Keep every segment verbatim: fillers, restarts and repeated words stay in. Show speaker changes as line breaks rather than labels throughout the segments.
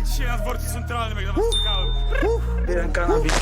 jak dzisiaj na dworcu centralnym, jak na was czekałem.
Jeden kanabis.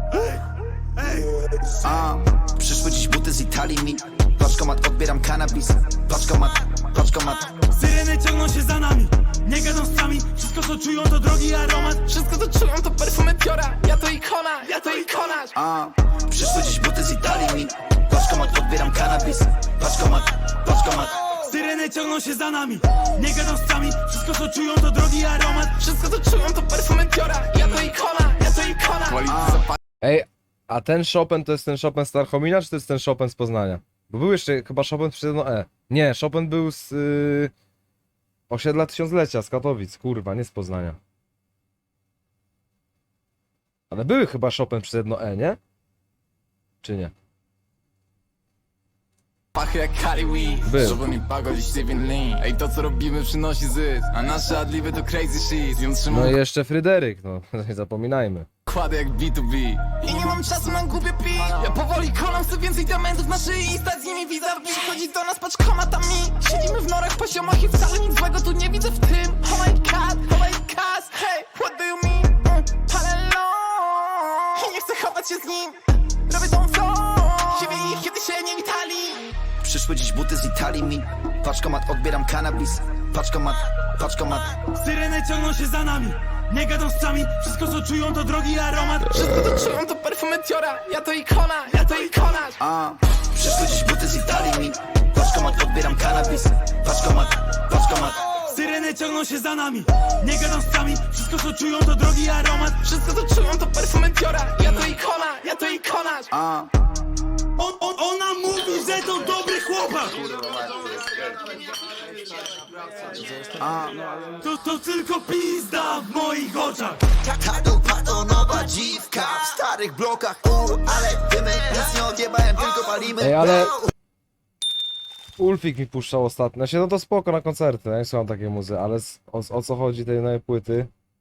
A, przyszły dziś buty z Italii mi. Paczkomat, odbieram kanabis. Paczkomat, paczkomat.
Syreny ciągną się za nami, nie gadą z nami. Wszystko co czują to drogi aromat.
Wszystko co czują to perfumy Piora. Ja to ikona, ja to ikona.
A, przyszły dziś buty z Italii mi. Paczkomat, odbieram kanabis. Paczkomat, paczkomat.
Syreny ciągną się za nami, nie gadą z nami. Wszystko co czują to drogi aromat.
Wszystko co czują to perfumy Piora. Ja to ikona, ja to ikona.
Ej, a ten Chopin to jest ten Chopin z Tarchomina, czy to jest ten Chopin z Poznania? Bo był jeszcze chyba Chopin przez jedno E. Nie, Chopin był z yy, osiedla Tysiąclecia, z Katowic, kurwa, nie z Poznania. Ale były chyba Chopin przez jedno E, nie? Czy nie?
Pachy jak Cali Weed,
Był.
żeby nie pagodzić Steven Lee. Ej, to co robimy przynosi zysk, a nasze adliby to crazy shit. Ją trzymam
No i jeszcze Fryderyk, no, nie zapominajmy.
kładę jak B to B.
I nie mam czasu na głupie pi. Ja powoli konam, chcę więcej diamentów na szyi i stać z nimi vis-a-vis. Chodzi do nas paczkomatami. Siedzimy w norach, poziomach i wcale nic złego tu nie widzę w tym. Oh my god, oh my god, hey, what do you mean? Mm, Palelo. I nie chcę chować się z nim. Robię tą co? Siebie ich, kiedy się nie witali.
Przyszły dziś buty z Italii mi. Paczkomat, odbieram kanabis. Paczkomat, paczkomat.
Syreny ciągną się za nami, nie gadą z nami. Wszystko co czują to drogi aromat.
Wszystko to czują to perfumy Diora. Ja to ikona, ja to ikona.
A, przyszły dziś buty z Italii mi. Paczkomat, odbieram kanabis. Paczkomat, paczkomat.
Syreny ciągną się za nami, nie gadą z nami. Wszystko co czują to drogi aromat.
Wszystko to czują to perfumy Diora. Ja to ikona, ja to ikona.
A,
On, on, ona mówi, że to dobry chłopak. To, to tylko pizda w moich oczach.
Tato, pato, nowa dziwka w starych blokach. U, ale dymy, nic nie odjebałem, tylko palimy.
Ej, ale... Ulfik mi puszczał ostatnio, znaczy no to spoko na koncerty, ja nie słucham takiej muzy, ale z, o, o co chodzi tej nowej płyty?